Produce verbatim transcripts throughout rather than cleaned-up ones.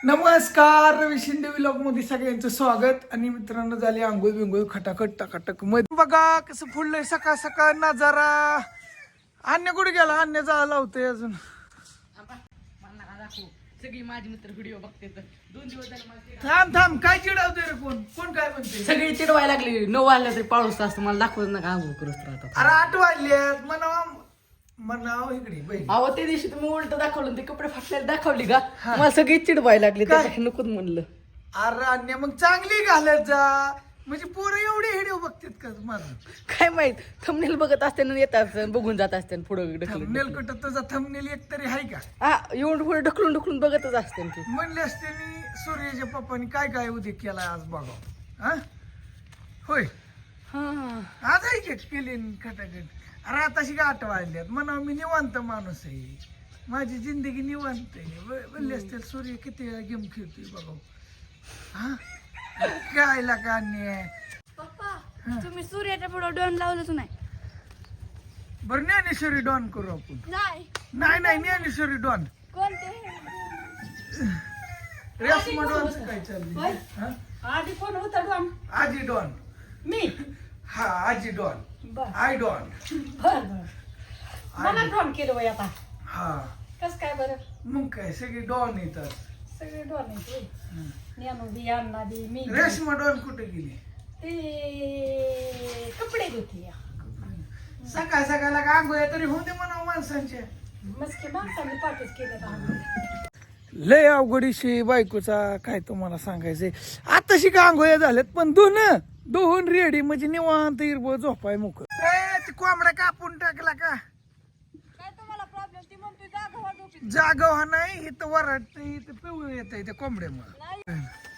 नमस्कार, रवी शिंदे व्लॉग मध्ये सगळ्यांचं स्वागत. आणि मित्रांनो, झाली आंघोळ बिंगोळ खटाखट टाकाटक मध्ये बघा कसं फुडलंय सकाळ सकाळ नजारा. अन्य कुठे गेला? अन्य जायला लावतोय अजून. सगळी माझी मित्र व्हिडिओ बघते तर दोन दिवस झाले मला थांब थांब काय चिडवतोय रे? कोण कोण काय म्हणते? सगळी चिडवायला लागली. नऊ वाजल्या तरी पाऊस असतो मला दाखवत नका आंघोळ करूच राहतात. अरे आठ वाजल्यात म्हणावा म्हणावं इकडे बाई. अहो त्या दिवशी तुम्ही उलट दाखवलं ते कपडे फाटलेले दाखवली का मला सगळी चिडवायला लागली. त्याच्या नकोच म्हणलं. अरे अन्य मग चांगली घालत जा, म्हणजे पोरं एवढे व्हिडिओ बघतात का माझं? काय माहित थंबनेल बघत असते ना येतात बघून जात असते पुढे ढकलून थंबनेल कुठं तुझा थंबनेल एक तरी आहे का? हा येऊन पुढे ढकलून ढकलून बघतच असते ती. म्हणले असते मी सूर्याच्या पप्पानी काय काय उद्या केलाय आज बघा. हा होय, हा आज आहे की केली खटाखट. अरे आताशी का आठ वाजल्यात म्हणा मी निवांत माणूस आहे, माझी जिंदगी निवांत आहे. म्हणले असते सूर्य किती वेळा गेम खेळतोय बघा. हा काय लागा अन्याय. पप्पा तुम्ही सूर्याच्या पुढे डोन लावलंच नाही. बरं ज्ञानेश्वरी डॉन करू आपण. नाही नाही नाही ज्ञानेश्वरी डॉन. कोणते रेशमा डॉन काय चाललंय? हा? आधी कोण होता डॉन? आजी डॉन. मी हा आजी डॉन. बर आय डॉन. बर मला डॉन केलं वय आता. हा कस काय बरं? मग काय सगळी डॉन येतात. सगळे डॉन नेमू बी अण्णा बी मी बी. रेशमा डॉन कुठे गेली? ते कपडे धुती सकाळ सकाळला का आंघोळ्या तरी होते म्हणा माणसांच्या. मस्के माणसाने पाठच केले. लय अवघडीशी बायकोचा काय तुम्हाला सांगायचंय. आताशी का आंघोळ्या झाल्यात पण दोन दोन रेडी म्हणजे निवांत हिरबळ झोपाय मुख. कोंबडा कापून टाकला का? काय तुम्हाला प्रॉब्लेम? ती म्हणतोय जागा व्हा झोपीत. जागा हा नाही इथं वराट इथं पिवळ येत त्या कोंबड्यामुळे.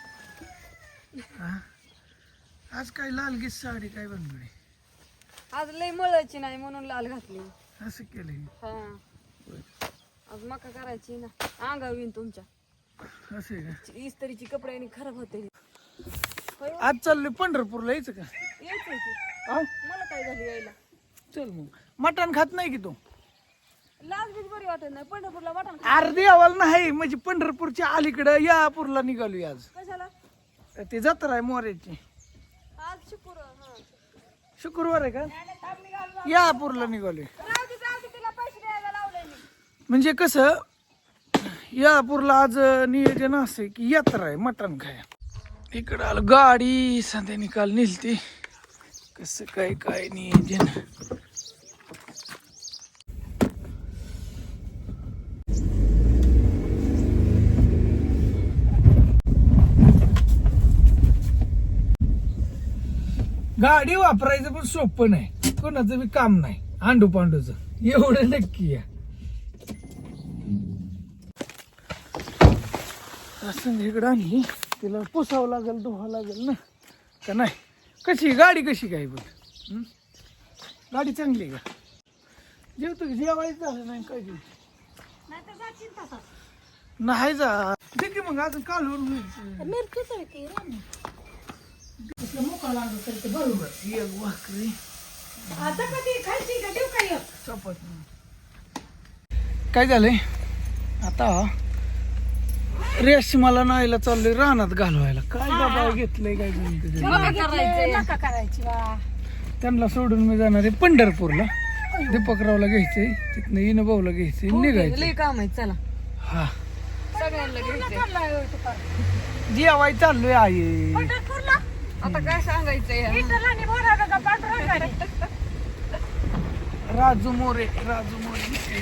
आज काय लालगीच साडी काय बनवली? आज लय मळायची नाही म्हणून लाल घातली. असं केलंय. हा आज मका करायची ना, अंगावर येईन तुमच्या. असं आहे का? इस्त्रीची कपडे आणि खराब होते. आज चाललोय पंढरपूरला यायचं का? यायचंय की. हा मला काय झालं यायला? चल मग. मटण खात नाही की तू? लाज बीज बरी वाटत नाही. पंढरपूरला वाटण अर्धी अवाल नाही म्हणजे पंढरपूरच्या अलीकडं यापूरला निघालोय आज. कशाला? ते जत्रा आहे मोऱ्याची. आज शुक्रवार. हा शुक्रवार आहे का? यापूरला निघालोय. राहू दे राहू दे, तिला पैसे द्यायला लावले मी. म्हणजे कसं यापूरला आज नियोजन असं की यात्रा आहे मटण खाया. इकडं आलं गाडी सध्या निकाल निघते. कसं काय काय नियोजन. गाडी वापरायचं पण सोपं नाही, कोणाचं बी काम नाही. आंडू पांडूच एवढं नक्की आहे. असं इकडं आणली तिला पुसावं लागेल धुवावं लागेल ना का नाही? कशी गाडी कशी काय बघ. गाडी चांगली आहे का? जेवतो की जेवायचं झालं नाही काय जेव नाही जा ठीक आहे मग अजून कालवून मोका लागत तर बरोबर. एक भाकरी आता कधी खायची का देऊ काय? चपात. काय झालंय आता रेशमाला नाहीला चाललोय रानात घालवायला. काय बाबा घेतलंय काय नका करायची वा. त्यांना सोडून मी जाणार आहे पंढरपूरला. दीपकरावला घ्यायचंय, तिथनं इनभाऊला घ्यायचंय, निघायचं. लय काम आहे चला. हा सगळ्यांना घ्यायचंय. जेवाय चाललोय आई. आता काय सांगायचंय? राजू मोरे राजू मोरे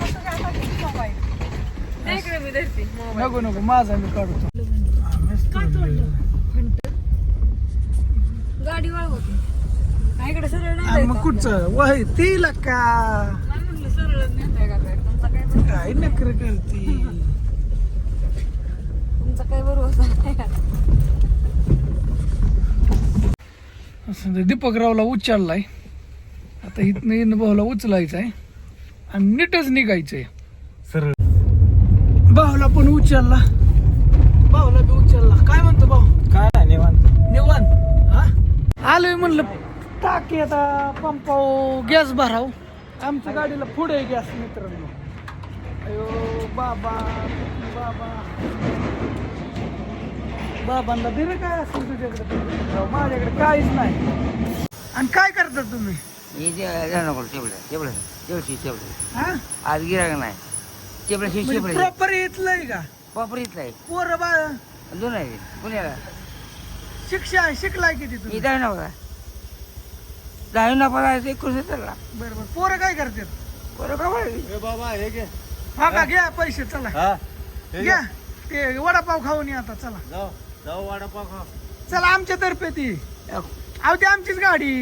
इकडे मी धरते. नको नको माझा मी काढतो. गाडी वळवते. इकडे सरळ नाही आणि मग कुठचं वय तिला का म्हणलं सरळ नेताय का काय? तुमचा काय काय नकर करती. तुमचा काय भरोसा नाही. असं ते दीपकरावला उचललाय आता. इथनं इनभाऊला उचलायचं आहे आणि नीटच निघायचंय सरळ. भाऊला पण उचलला, भाऊला बी उचलला. काय म्हणतो भाऊ? काय निवांत निवांत. हा आलोय म्हणलं टाकी आता पंपाव गॅस भराव. आमच्या गाडीला पुढे गॅस मित्रांनो. अयो बाबा बाबा बाबांना दे रे काय असेल तुझ्याकडे दीपकराव, माझ्याकडे काहीच नाही. आणि काय करता तुम्ही? हे जे नको तेवढं तेवढं तेवढी तेवढं हा आज गिराग नाही तेवढं शिवशी प्रॉपर येतलंय का? वापर इथला आहे पोरं बा दोन आहे पुण्याला शिक्षा शिकलाय किती मी तुम्ही? दहावी नव्हता दहावी नफा एकोणीस चालला बरोबर. पोरं काय करतात? बरोबर बाबा हे घे हा का घ्या पैसे चला हा हे घ्या ते वडापाव खाऊन या आता चला जाऊ जाऊ वडापाव खा चला आमच्या तर्फे ती अहो ती आमचीच गाडी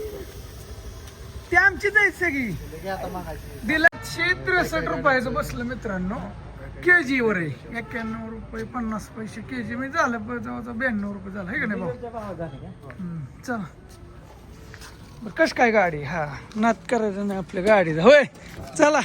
ती आमचीच आहे सगळी. दिला शे त्रेसष्ट रुपयाचं बसलं मित्रांनो के जी वर आहे एक्क्याण्णव रुपये पन्नास पैसे के जी मी झालं ब- जवळजवळ ब्याण्णव रुपये झालं आहे का नाही भाऊ? हम्म, चला बरं कश काय गाडी हा नात करायचं नाही आपल्या गाडीचा होय चला.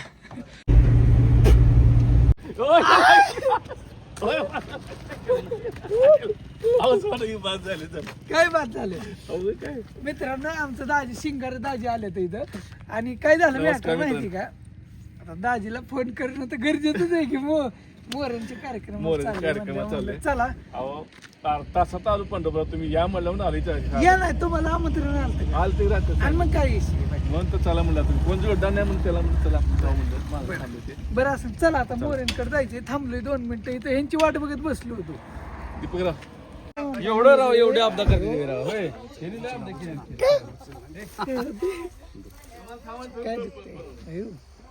काय बात झाले मित्रांनो आमचं दाजी शिंगार दाजी आले तर इथं आणि काय झालं मी आता माहिती का आता दाजीला फोन करणं तर गरजेचंच आहे की मो मोरांचे कार्यक्रम मोरांचे चालले कार्यक्रम म्हणजे चालले. म्हणलं चला अहो तासात आलो पंढरपुरात तुम्ही या म्हणलं म्हणून आली या नाही तुम्हाला आमंत्रण आलं का? आल ते राहत आणि मग काय विषय नाही. म्हणून तर चला म्हणलं तुम्ही कोण जोडदार नाही म्हणून त्याला म्हणून चला जाऊ म्हणलं मला थांबले ते बरं असं चला आता मोरांकडे जायचंय थांबलोय दोन मिनिटं इथं ह्यांची वाट बघत बसलो होतो. दीपकराव एवढं राव एवढे अपदा करते राव होय काय दिसतंय? अयो.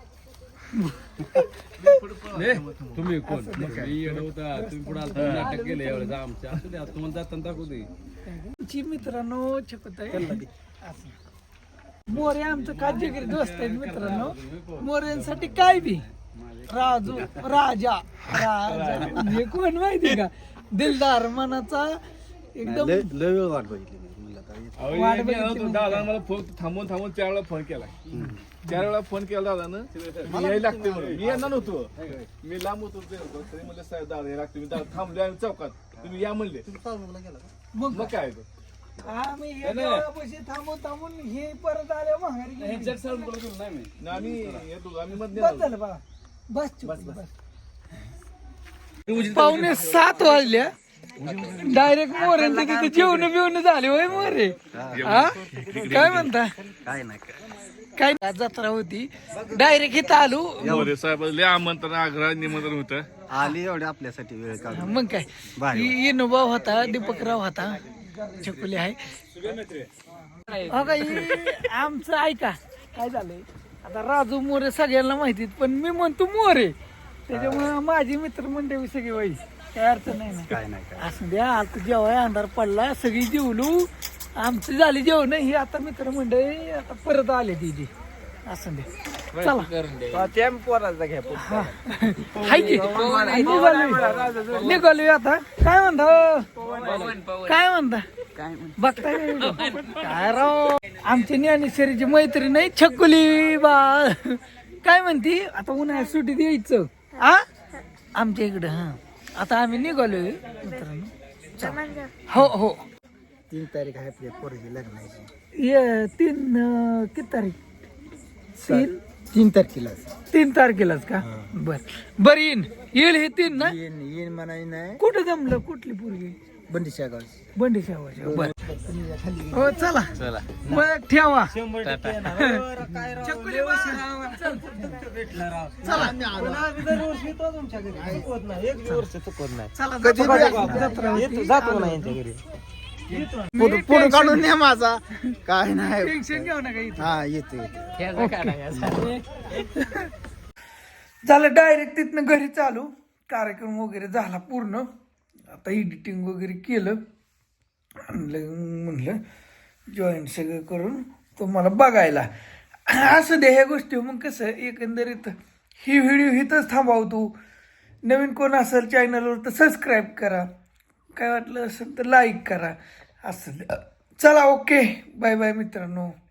तुम्ही कोण मी होता तुम्ही पुढे आलता नाटक केलं एवढं आमच्या असू द्या तुम्हाला जाताना दाखवू दे ची मित्रांनो छकुताई मोरे आमचं काजगिरी दोस्त आहेत मित्रांनो. मोऱ्यांसाठी काय बी राजू राजा राजा म्हणजे कोण माहिती का म्हणजे मनाचा एकदम लय वेळ वाट बघितली मी म्हणलं आता वाट बघितली दादा मला फोन थांबून थांबून चार वेळा फोन केला चार वेळा फोन केला दादानं मी यायला लागते म्हणून मी येणार नव्हतो मी लांब होतो ते होतो. तरी म्हणलं साहेब दादा हे लागते मी दादा थांबले आम्ही चौकात तुम्ही या म्हणले मग मग काय आम्ही हे देवळापाशी थांबून थांबून हे परत आले माघारी गेली. आम्ही येतो आम्ही मध्ये बस झालं बघा बस बस बस पावणे सात वाजल्या डायरेक्ट मोऱ्यांचं तिथे जेवण बिवणं झाले होय मोरे हा काय म्हणता काय नाही काय जत्रा होती डायरेक्ट इथं आलो मोरे साहेब लय आमंत्रण आग्रह निमंत्रण होतं आली एवढी आपल्यासाठी वेळ काढून मग काय इनुभाव होता दीपकराव होता छकुली आहे हो का ही आमचं ऐका काय झालंय आता राजू मोरे सगळ्यांना माहितीत पण मी म्हणतो मोरे त्याच्यामुळे माझी मित्रमंडळी सगळी वाईस काय अर्थ नाही ना काय नाही काय असं द्या आता जेव्हा अंधार पडला सगळी जेवलो आमची झाली जेवण ही आता मित्रमंडळी आता परत आले तिथे असं दे चला पोराचा घ्या हाय की निघालो निघालो आता काय म्हणता काय म्हणता बघताय का video? काय राव आमची ज्ञानेश्वरीची मैत्री नाही छकुली बा काय म्हणती आता उन्हाळ्यात सुट्टीत यायचं आ आमच्या इकडं हा आता आम्ही निघालोय मित्रांनो चला. हो हो तीन तारीख आहे आपल्या पोरगी लग्नाची ये तीन अं, किती तारीख तीन तीन तारखेला तीन तारखेलाच का बर बर येईन येईल हे तीन ना येईन येईन म्हणाय नाही कुठं जमलं कुठली पोरगी बंडीच्या गाव बंडी शावाच्या बर हो चला चला मग ठेवा चकुली बा. चल. चला चला जत्रा होती. मी फोटो काढून न्या माझा काय नाही टेन्शन घेऊ नका इथं हा येतो येतो झालं डायरेक्ट तिथनं घरी चालू कार्यक्रम वगैरे झाला पूर्ण आता एडिटिंग वगैरे केलं आणलं म्हणलं जॉईन सगळं करून तुम्हाला बघायला असं दे ह्या गोष्टी मग कसं एकंदरीत ही व्हिडिओ इथंच थांबवतो नवीन कोण असेल चॅनलवर तर सबस्क्राईब करा काय वाटलं असेल तर लाईक करा असं चला ओके बाय बाय मित्रांनो.